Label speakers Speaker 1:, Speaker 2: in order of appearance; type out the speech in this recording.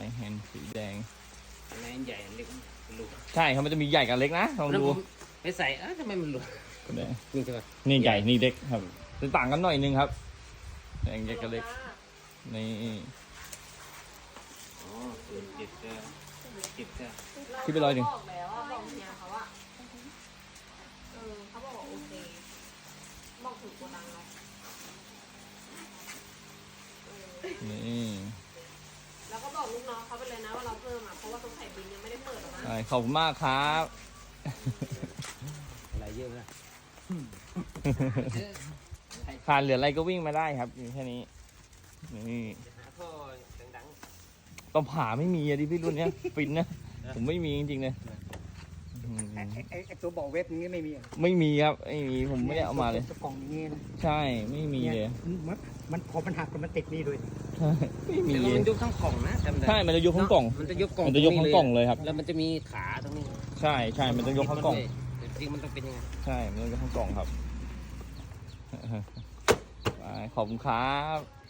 Speaker 1: แฮนด์สีแดง
Speaker 2: อะไรใหญ่เล็กหลุด
Speaker 1: ใช่ครับมันจะมีใหญ่กับเล็กนะลองดู
Speaker 2: ไปใส่ทำไมมันหลุดนี่ใช่ปะ
Speaker 1: นี่ใหญ่นี่เล็กครับจะต่างกันหน่อยนึงครับแดงใหญ่กับเล็กนี่
Speaker 2: อ๋อส่วนเจ็ดก็เจ็ดก็
Speaker 1: คิดไป100
Speaker 3: บอกแล้วอะบอกเฮียเขาอะเขาบอกว่าโอเคบอกถูกกว่าดังแล้ว
Speaker 1: นี่
Speaker 3: แล้วก็บอกลูกน้องเขาไปเลยนะว่าเราเพิ่มอ่ะเพราะว่าตรงไข่บินยังไม่ได้เปิดหรอกนะ
Speaker 1: ใช่ขอบคุณมากครับ
Speaker 2: อะไรเยอะนะ
Speaker 1: ขาดเหลืออะไรก็วิ่งมาได้ครับอยู่แค่นี้นี่
Speaker 2: หาท่อดัง
Speaker 1: ก็ผ่าไม่มีอะดิพี่รุ่นเนี้ยฟินนะผมไม่มีจริงๆเลยอืม
Speaker 4: ไอ้ตัวบอกเว็บนี้ไม่มีอ่ะ
Speaker 1: ไม่มีครับไม่มีผมไม่ได้เอามาเลย
Speaker 4: ตัวกล่องอย่างนี้นะ
Speaker 1: ใช่ไม่มีเลย
Speaker 4: มันพอมันหักมันติดนี่ด้วย
Speaker 1: ใช่ไม่
Speaker 2: ๆ
Speaker 1: มี
Speaker 2: แต่
Speaker 1: เล
Speaker 2: มัน
Speaker 1: ย
Speaker 2: ยกทั้งกล่องนะจำได้
Speaker 1: ใช่มันจะยกทั้งกล่อง
Speaker 2: มันจะยกกล่อง
Speaker 1: มันจะยกทั้งกล่องเลยครับ
Speaker 2: แล้วมันจะมีขาตรงนี้
Speaker 1: ใช่ใช่มันจะยกทั้งกล่อง
Speaker 2: แต่จริงมันต้องเป็นยังไง
Speaker 1: ใช่มันจะยกทั้งกล่องครับไปขอบคุณครับ